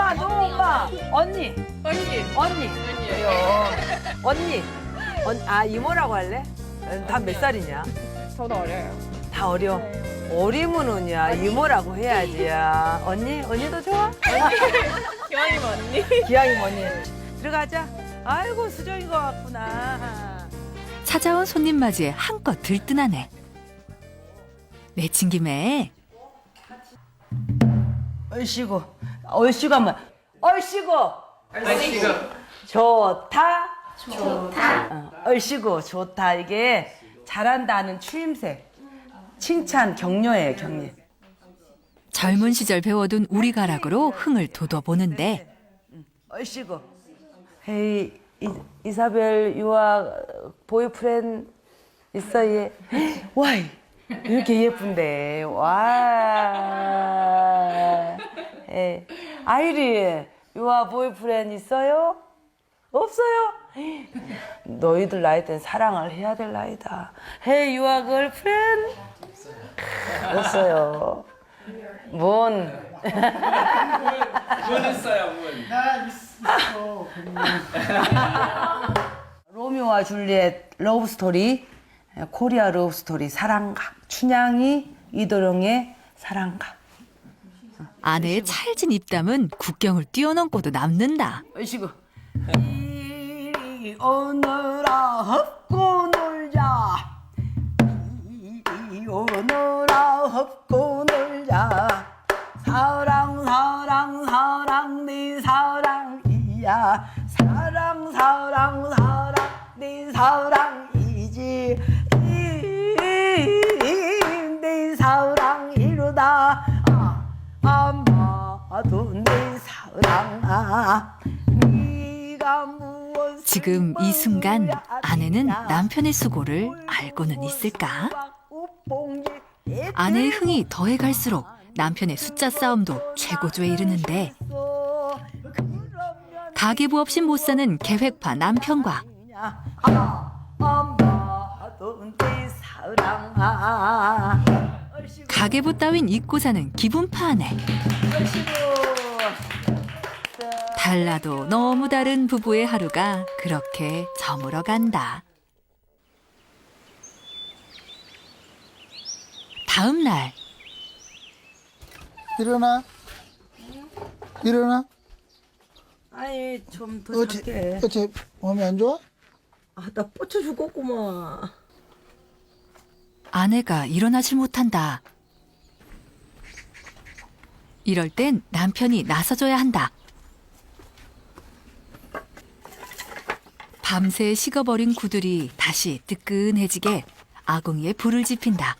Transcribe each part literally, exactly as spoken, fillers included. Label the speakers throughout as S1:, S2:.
S1: 엄마, 너 엄마. 언니,
S2: 언니.
S1: 언니. 그래요. 언니. 언, 아, 이모라고 할래? 다 몇 살이냐?
S2: 저도 어려요.
S1: 다 어려. 어리면은야 이모라고 해야지. 야. 언니? 언니도 좋아?
S2: 기왕이면 언니.
S1: 기왕이면 언니. 들어가자. 아이고, 수정인 것 같구나.
S3: 찾아온 손님 맞이에 한껏 들뜬하네. 내친 김에
S1: 얼씨구. 얼씨구 한번. 얼씨구.
S2: 얼씨구.
S1: 좋다. 좋다. 어, 얼씨구 좋다. 이게 잘한다는 추임새. 칭찬, 격려예요, 격려.
S3: 젊은 시절 배워둔 우리가락으로 흥을 돋워보는데
S1: 얼씨구. 헤이, 이, 이사벨 유아 보이프렌 있어 얘. 와, 이렇게 예쁜데. 와. 에, 아이리 유아 보이프렌 있어요? 없어요? 너희들 나이 때는 사랑을 해야 될 나이다. 헤이 유아 걸프렌? 없어요. 뭔?
S4: 문 있어요, 문.
S5: 나 있어.
S1: 로미오와 줄리엣 러브 스토리, 코리아 러브 스토리 사랑가, 춘향이 이도령의 사랑가.
S3: 아내의 찰진 입담은 국경을 뛰어넘고도 남는다.
S1: 얼씨구. 이리 오너라 헛고 놀자. 이리 오너라 헛고 놀자. 사랑 사랑 사랑 네 사랑이야. 사랑 사랑 사랑 네 사랑이지. 네 사랑이로다. 아마도 내 사랑아. 네가 무엇을
S3: 지금 이 순간 아내는 남편의 수고를 알고는 있을까? 아내의 흥이 더해갈수록 남편의 숫자 싸움도 최고조에 이르는데 가계부 없이 못 사는 계획파 남편과 가계부 따윈 잊고 사는 기분파 아내. 달라도 너무 다른 부부의 하루가 그렇게 저물어 간다. 다음 날
S5: 일어나. 일어나.
S1: 아니 좀 더
S5: 어째,
S1: 작게.
S5: 어째 몸이 안 좋아?
S1: 아나 뻗쳐 죽겠구만.
S3: 아내가 일어나질 못한다. 이럴 땐 남편이 나서줘야 한다. 밤새 식어버린 구들이 다시 뜨끈해지게 아궁이에 불을 지핀다.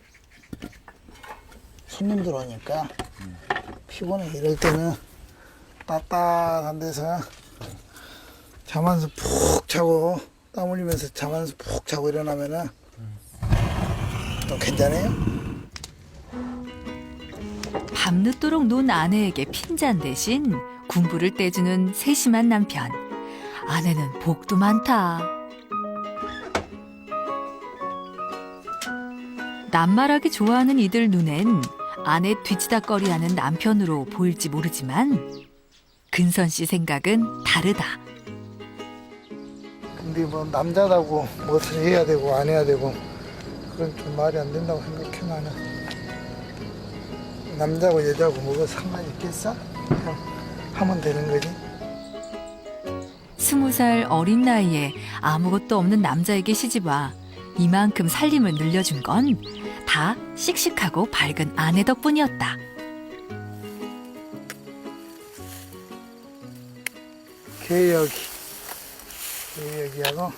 S5: 손님들 오니까 피곤해. 이럴 때는 따뜻한 데서 잠안서 푹 자고 땀 흘리면서 잠안서 푹 자고 일어나면은 또 괜찮아요?
S3: 밤늦도록 논 아내에게 핀잔 대신 군부를 떼주는 세심한 남편. 아내는 복도 많다. 낱말하기 좋아하는 이들 눈엔 아내 뒤치다꺼리하는 남편으로 보일지 모르지만 근선 씨 생각은 다르다.
S5: 근데 뭐 남자다고 무엇을 해야 되고 안 해야 되고 그건 좀 말이 안 된다고 생각해. 나는 남자고 여자고 뭐가 상관이 있겠어? 그냥 하면 되는 거지.
S3: 스무 살 어린 나이에 아무것도 없는 남자에게 시집와 이만큼 살림을 늘려준 건 다 씩씩하고 밝은 아내 덕분이었다.
S5: 개여기, 개여기하고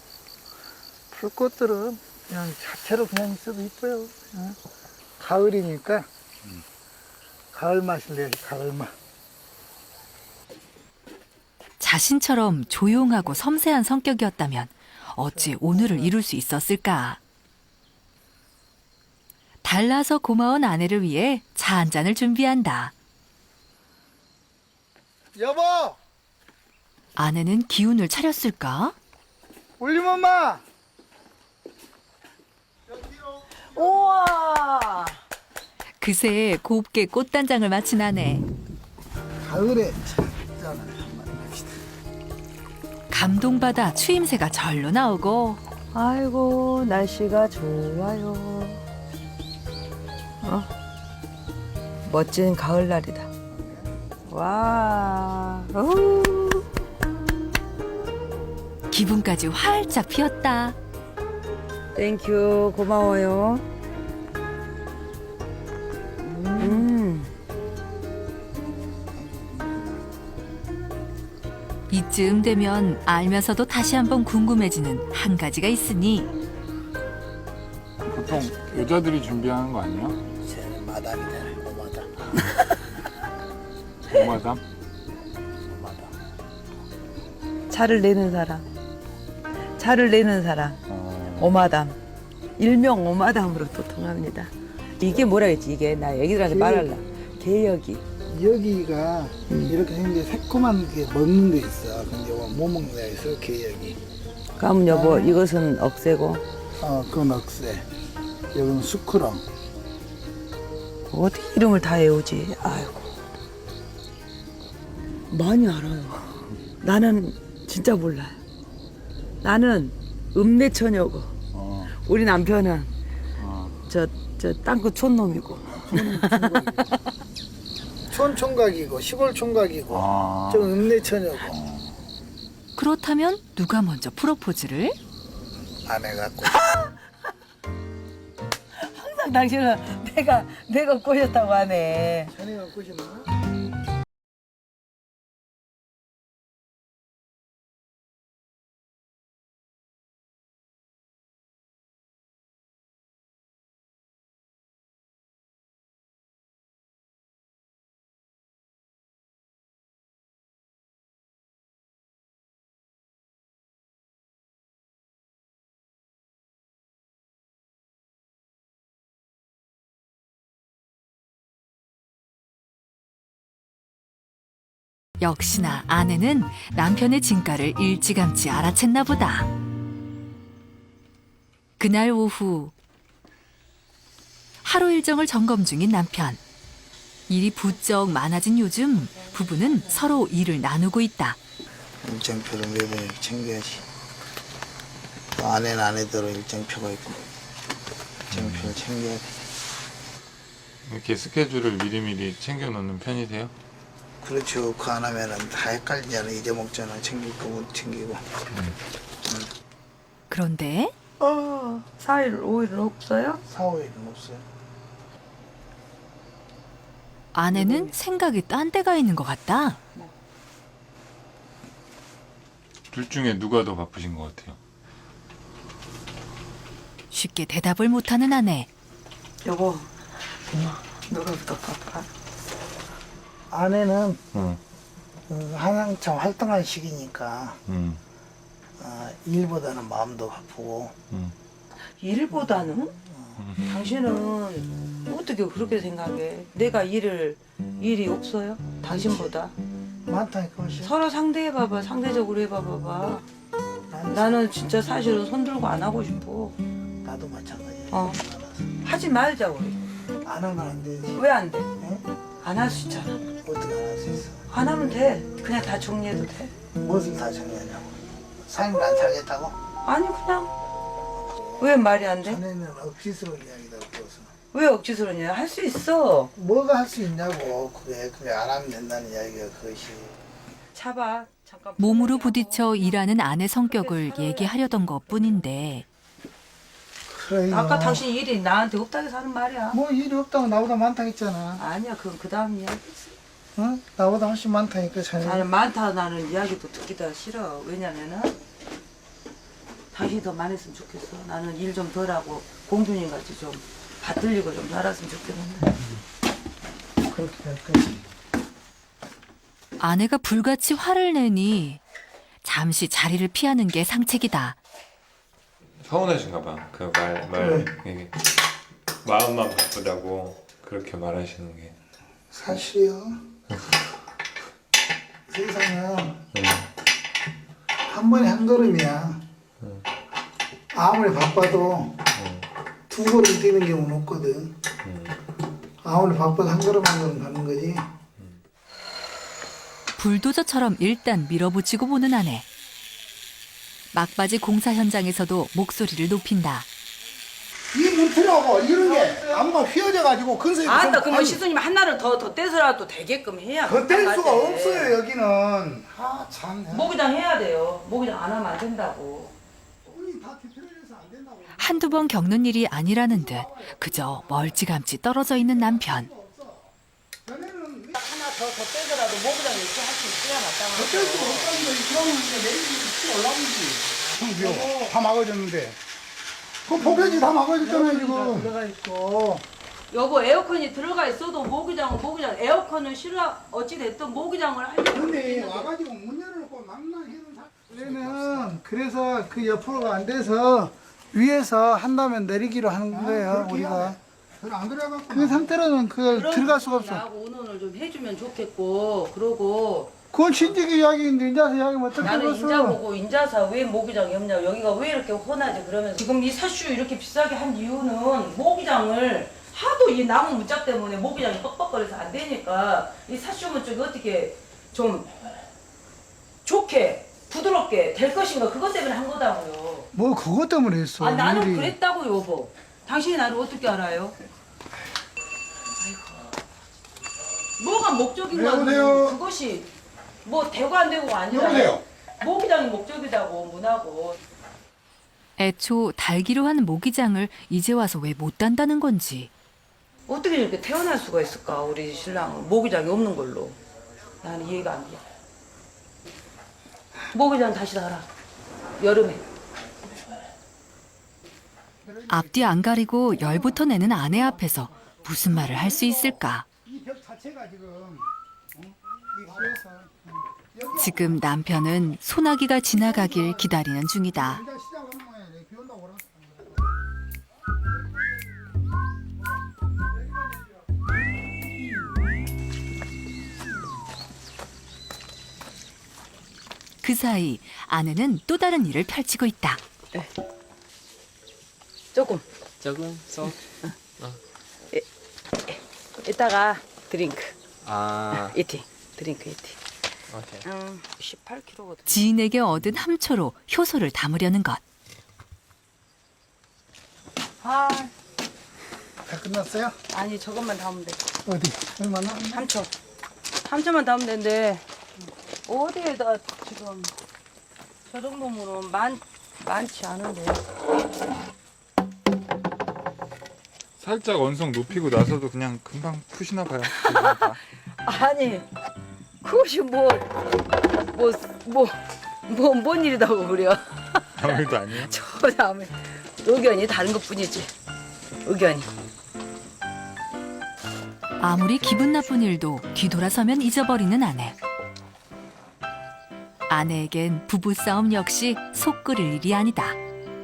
S5: 풀꽃들은 그냥 자체로 그냥 있어도 이뻐요. 어? 가을이니까 가을 맛을 내야지. 가을 맛.
S3: 자신처럼 조용하고 섬세한 성격이었다면 어찌 오늘을 이룰 수 있었을까? 달라서 고마운 아내를 위해 차 한 잔을 준비한다.
S5: 여보,
S3: 아내는 기운을 차렸을까?
S5: 올림 엄마.
S1: 우와.
S3: 그새 곱게 꽃단장을 마친 아내.
S5: 가을에 참 하잖아. 만납시다.
S3: 감동받아 추임새가 절로 나오고
S1: 아이고 날씨가 좋아요. 어? 멋진 가을날이다. 와. 어우.
S3: 기분까지 활짝 피었다.
S1: 땡큐 고마워요. 음.
S3: 이쯤 되면 알면서도 다시 한번 궁금해지는 한 가지가 있으니
S4: 보통 여자들이 준비하는 거 아니야?
S5: 쟤는 마담이잖아. 오마담.
S4: 오마담?
S5: 오마담.
S1: 차를 내는 사람. 차를 내는 사람.
S4: 어...
S1: 오마담. 일명 오마담으로 또 통합니다. 이게 뭐라 했지? 이게 나 애기들한테 말할라. 개혁이.
S5: 여기가 이렇게 생긴 새콤한 게 먹는 데 있어. 근데 이거 못 먹는 데 있어. 개여기.
S1: 그럼 여보 이것은 억새고
S5: 어, 그건 억새. 여기는 수크렁.
S1: 어떻게 이름을 다 외우지? 아이고 많이 알아요. 나는 진짜 몰라요. 나는 읍내처녀고
S4: 어,
S1: 우리 남편은
S4: 어.
S1: 저 저 땅끝 촌놈이고.
S5: 촌총각이고 시골 총각이고
S4: 아.
S5: 좀 읍내처녀고
S3: 그렇다면 누가 먼저 프로포즈를?
S5: 아내가 꼭
S1: 항상 당신은 내가 내가 꼬셨다고 하네.
S5: 아내가 꼬시나?
S3: 역시나 아내는 남편의 진가를 일찌감치 알아챘나 보다. 그날 오후 하루 일정을 점검 중인 남편. 일이 부쩍 많아진 요즘 부부는 서로 일을 나누고 있다.
S5: 일정표를 매번 이렇게 챙겨야지. 또 아내는 아내대로 일정표가 있고 일정표를 챙겨야 돼.
S4: 이렇게 스케줄을 미리미리 챙겨 놓는 편이세요?
S5: 그렇죠. 그 안 하면은 다 헷갈리잖아. 잊어먹잖아. 챙길 거 못 챙기고.
S3: 그런데
S1: 어, 사 일, 오 일은 없어요?
S5: 사, 오 일은 없어요.
S3: 아내는 생각이 딴 데가 있는 것 같다.
S4: 둘 중에 누가 더 바쁘신 것 같아요?
S3: 쉽게 대답을 못하는 아내.
S1: 여보, 누가 더 바빠?
S5: 아내는
S4: 응.
S5: 그 한창 활동할 시기니까
S4: 응.
S5: 어, 일보다는 마음도 바쁘고
S4: 응.
S1: 일보다는? 당신은 어떻게 그렇게 생각해? 내가 일을 일이 없어요? 당신보다?
S5: 많다니까 훨씬.
S1: 서로 상대해봐봐. 상대적으로 해봐봐봐.
S5: 나는,
S1: 나는 진짜 사실은 손들고 안 하고 싶어.
S5: 나도 마찬가지야.
S1: 어.
S5: 알아서.
S1: 하지 말자 우리.
S5: 안 하면 안 되지.
S1: 왜 안 돼?
S5: 응?
S1: 안 할 수 있잖아.
S5: 어떻게 안 할 수 있어?
S1: 안 하면 돼. 그냥 다 정리해도 돼.
S5: 무엇을 다 정리하냐고. 삶을 안 살겠다고?
S1: 아니 그냥 왜 말이 안 돼?
S5: 자네는 억지스러운 이야기다 그것은.
S1: 왜 억지스러냐? 할 수 있어.
S5: 뭐가 할 수 있냐고. 그게 그게 안 하면 된다는 이야기가 그것이.
S1: 잡아. 잠깐.
S3: 몸으로 부딪혀 일하는 아내 성격을 얘기하려던 것뿐인데
S5: 그래.
S1: 아까 당신 일이 나한테 없다고 하는 말이야.
S5: 뭐 일이 없다고 나보다 많다 했잖아.
S1: 아니야, 그건 그 다음 이야기지.
S5: 어? 나보다 훨씬 많다니까 자네.
S1: 나는 많다 나는 이야기도 듣기도 싫어. 왜냐면은 당신이 더 많이 했으면 좋겠어. 나는 일 좀 덜하고 공주님 같이 좀 받들리고 좀 살았으면 좋겠는데.
S5: 그렇게 될 거지.
S3: 아내가 불같이 화를 내니 잠시 자리를 피하는 게 상책이다.
S4: 서운하신가 봐. 그 말, 말, 이게 마음만 바쁘다고 그렇게 말하시는 게.
S5: 사실이요. 세상은
S4: 응.
S5: 한 번에 한 걸음이야.
S4: 응.
S5: 아무리 바빠도
S4: 응.
S5: 두 걸음 뛰는 경우는 없거든.
S4: 응.
S5: 아무리 바빠도 한 걸음 한 걸음 가는 거지.
S3: 불도저처럼 일단 밀어붙이고 보는 아내. 막바지 공사 현장에서도 목소리를 높인다.
S5: 이 문틀하고 이런 게 안마 휘어져가지고 근성이
S1: 아따 그러면 시수님 하나를 더 더 떼서라도 되게끔 해야
S5: 겉댈
S1: 딱
S5: 수가
S1: 맞지.
S5: 없어요 여기는. 아참
S1: 모기장 해야 돼요. 모기장 안 하면 안 된다고.
S5: 돈이 다 뒤틀려서 안 된다고.
S3: 한두 번 겪는 일이 아니라는 듯 그저 멀찌감치 떨어져 있는 남편.
S5: 전에는
S1: 하나 더 더 떼서라도 모기장 이렇게 할 수 있어야
S5: 겉댈 수가
S1: 마땅하고.
S5: 없다는 거지. 그러면 이제 내일이 치 올라오지. 형비요 다 막아줬는데. 그 포개지 다 막아줬잖아요 지금. 들어가 있고.
S1: 여보 에어컨이 들어가 있어도 모기장은 모기장 에어컨을 싫어 어찌 됐든 모기장을 하려고
S5: 근데
S1: 했는데
S5: 와가지고 문 열어놓고 막나 해는 원래는 그래서 그 옆으로가 안 돼서 위에서 한다면 내리기로 하는 거예요 우리가. 안 들어가고 그 상태로는 그걸
S1: 그런
S5: 들어갈 수가
S1: 부분을
S5: 없어.
S1: 나하고 의논을 좀 해주면 좋겠고 그러고
S5: 그건 친지기 이야기인데 인자서 이야기면 어떻게
S1: 나는
S5: 들었어?
S1: 인자 보고 인자사 왜 모기장이 없냐 여기가 왜 이렇게 혼하지 그러면서 지금 이 사슈 이렇게 비싸게 한 이유는 모기장을 하도 이 나무 무짝 때문에 모기장이 뻑뻑거려서 안 되니까 이 사슈문 쪽이 어떻게 좀 좋게 부드럽게 될 것인가 그것 때문에 한 거다고요.
S5: 뭐 그것 때문에 했어.
S1: 아 나는
S5: 일이.
S1: 그랬다고요 여보. 당신이 나를 어떻게 알아요? 아이고. 뭐가 목적인가
S5: 여보세요?
S1: 그것이 뭐 되고 안 되고가 아니라
S5: 여보세요?
S1: 모기장이 목적이다고 문하고.
S3: 애초 달기로 한 모기장을 이제 와서 왜 못 단다는 건지.
S1: 어떻게 이렇게 태어날 수가 있을까 우리 신랑은 모기장이 없는 걸로. 나는 이해가 안 돼. 모기장 다시 달아 여름에.
S3: 앞뒤 안 가리고 열부터 내는 아내 앞에서 무슨 말을 할 수 있을까.
S5: 이 벽 자체가 지금 어? 이 그래서 여기
S3: 지금 남편은 소나기가 지나가길 기다리는 중이다.
S5: 이제 시작하는 모양이네. 비 온다고 그러나?
S3: 그 사이 아내는 또 다른 일을 펼치고 있다.
S1: 조금
S2: 조금 써.
S1: 이따가 드링크
S2: 아,
S1: 이팅 드링크 이팅.
S2: 오케이.
S1: 음, 십팔 킬로거든.
S3: 지인에게 얻은 함초로 효소를 담으려는 것.
S1: 아
S5: 다 끝났어요?
S1: 아니 저것만 담으면 돼.
S5: 어디? 얼마나?
S1: 삼 초. 삼 초만 담으면 되는데 어디에다 지금 저 정도면은 많 많지 않은데.
S4: 살짝 언성 높이고 나서도 그냥 금방 푸시나 봐요.
S1: 아니 그것이 뭐 뭐 뭐 뭐 뭔 일이다고 그래요.
S4: 아무 일도 아니에요?
S1: 저 다음에 의견이 다른 것뿐이지. 의견이.
S3: 아무리 기분 나쁜 일도 뒤돌아서면 잊어버리는 아내. 아내에겐 부부싸움 역시 속 끓일 일이 아니다.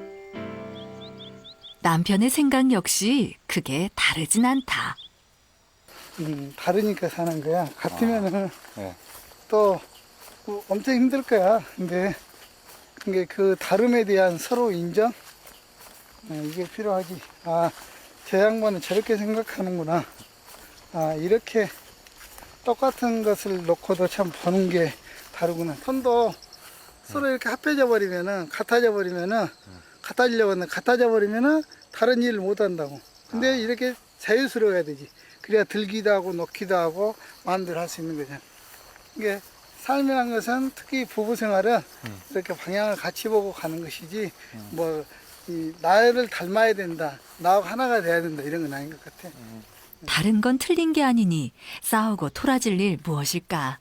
S3: 남편의 생각 역시 크게 다르진 않다.
S5: 음, 다르니까 사는 거야. 같으면은
S4: 네.
S5: 또 뭐 엄청 힘들 거야. 근데 그게 그 다름에 대한 서로 인정? 네, 이게 필요하지. 아, 저 양반은 저렇게 생각하는구나. 아, 이렇게 똑같은 것을 놓고도 참 보는 게 다르구나. 손도 서로 이렇게 합해져 버리면은, 같아져 버리면은, 같아지려고 하는데, 같아져 버리면은 다른 일을 못 한다고. 근데 이렇게 자유스러워야 되지. 그래야 들기도 하고, 놓기도 하고, 마음대로 할 수 있는 거잖아. 이게 삶이란 것은 특히 부부 생활은
S4: 음.
S5: 이렇게 방향을 같이 보고 가는 것이지, 음. 뭐, 이, 나를 닮아야 된다. 나하고 하나가 돼야 된다. 이런 건 아닌 것 같아.
S4: 음.
S3: 다른 건 틀린 게 아니니 싸우고 토라질 일 무엇일까?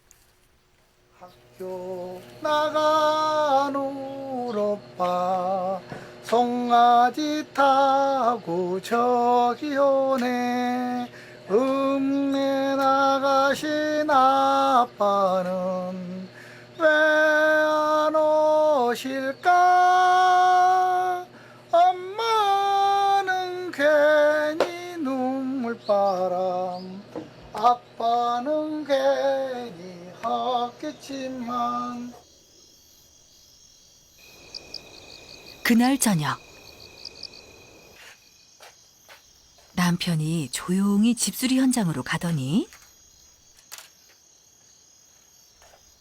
S5: 학교 나간 우로빠 송아지 타고 저기 오네. 읍내 나가신 아빠는 왜 안 오실까? 엄마는 괜히 눈물바람, 아빠는 괜히 하겠지만.
S3: 그날 저녁 남편이 조용히 집수리 현장으로 가더니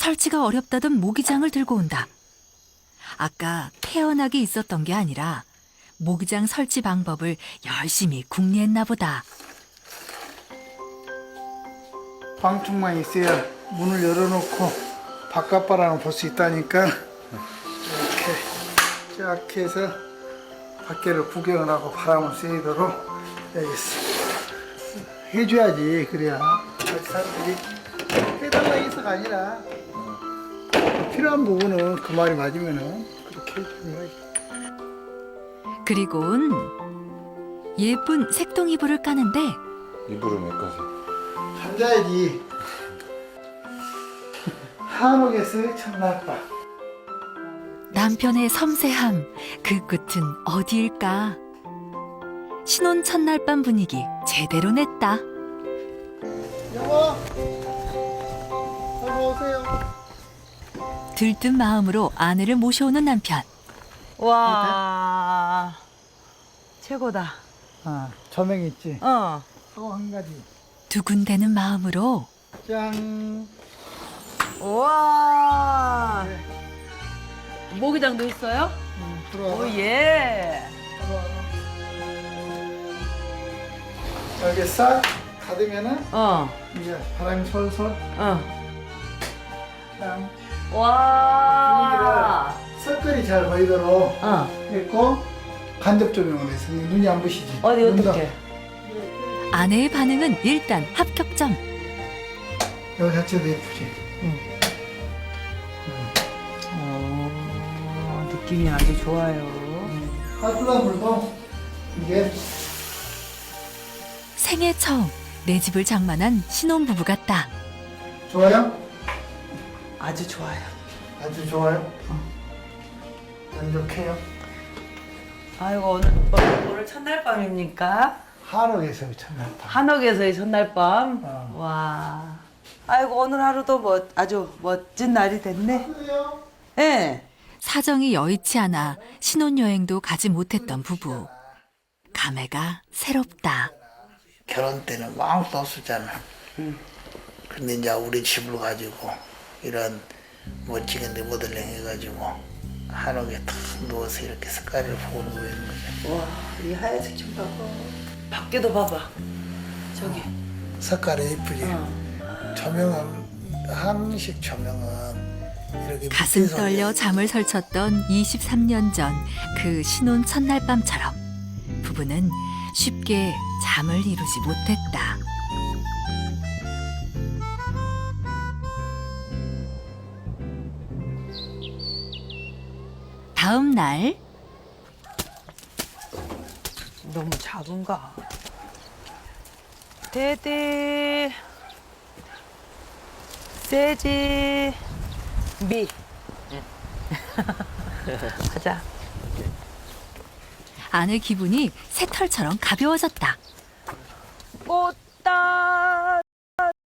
S3: 설치가 어렵다던 모기장을 들고 온다. 아까 태연하게 있었던 게 아니라 모기장 설치 방법을 열심히 궁리했나 보다.
S5: 방충망이 있어야 문을 열어놓고 바깥 바람을 볼 수 있다니까 이렇게 쫙 해서 밖에를 구경을 하고 바람을 쐬도록 해야겠어. 해줘야지. 그래야 사람들이 해달라 해서가 아니라 필요한 부분은 그 말이 맞으면은 그렇게 해주는 거지.
S3: 그리고는 예쁜 색동 이불을 까는데
S4: 이불을 몇 가지?
S5: 잠자야지. 한옥에서 첫날밤.
S3: 남편의 섬세함, 그 끝은 어디일까? 신혼 첫날 밤 분위기 제대로 냈다.
S5: 여보, 여보 오세요.
S3: 들뜬 마음으로 아내를 모셔오는 남편.
S1: 와 최고다.
S5: 아, 조명 있지.
S1: 어.
S5: 또 한 가지.
S3: 두근대는 마음으로
S5: 짠.
S1: 와 모기장도 있어요?
S5: 음, 들어와.
S1: 오예.
S5: 여기 싹 닫으면은
S1: 어.
S5: 이제 바람이 솔솔.
S1: 어.
S5: 짠.
S1: 와.
S5: 색깔이 잘 보이도록
S1: 어.
S5: 했고 간접 조명을 해서 눈이 안 부시지.
S1: 어디
S5: 눈도.
S1: 어떻게?
S3: 아내의 반응은 일단 합격점.
S5: 여기 자체도 예쁘지.
S1: 어, 느낌이 아주 좋아요.
S5: 화투나 물도 이게
S3: 생애 처음 내 집을 장만한 신혼부부 같다.
S5: 좋아요?
S1: 아주 좋아요.
S5: 아주 좋아요. 만족해요.
S1: 아이고 오늘 오늘, 오늘 첫날 밤입니까?
S5: 한옥에서 첫날 밤.
S1: 한옥에서의 첫날 밤.
S5: 어.
S1: 와. 아이고 오늘 하루도 뭐 아주 멋진 날이 됐네.
S5: 그래요?
S1: 예. 네.
S3: 사정이 여의치 않아 신혼여행도 가지 못했던 부부. 감회가 새롭다.
S6: 결혼 때는 아무것도 없었잖아. 근데 이제 우리 집을 가지고 이런 멋지게 리모델링 해가지고 한옥에 탁 누워서 이렇게 색깔을 보는 거예요.
S1: 와, 이 하얀색 좀 봐봐. 밖에도 봐봐. 저기.
S6: 색깔이 예쁘지.
S1: 어.
S6: 조명은 한식 조명은 이렇게
S3: 가슴
S6: 밑에서
S3: 떨려 잠을 설쳤던 이십삼 년 전 그 신혼 첫날 밤처럼 부부는 쉽게 잠을 이루지 못했다. 다음 날
S1: 너무 작은가? 데디 세지 미 가자.
S3: 아내 기분이 새털처럼 가벼워졌다.
S1: 꽃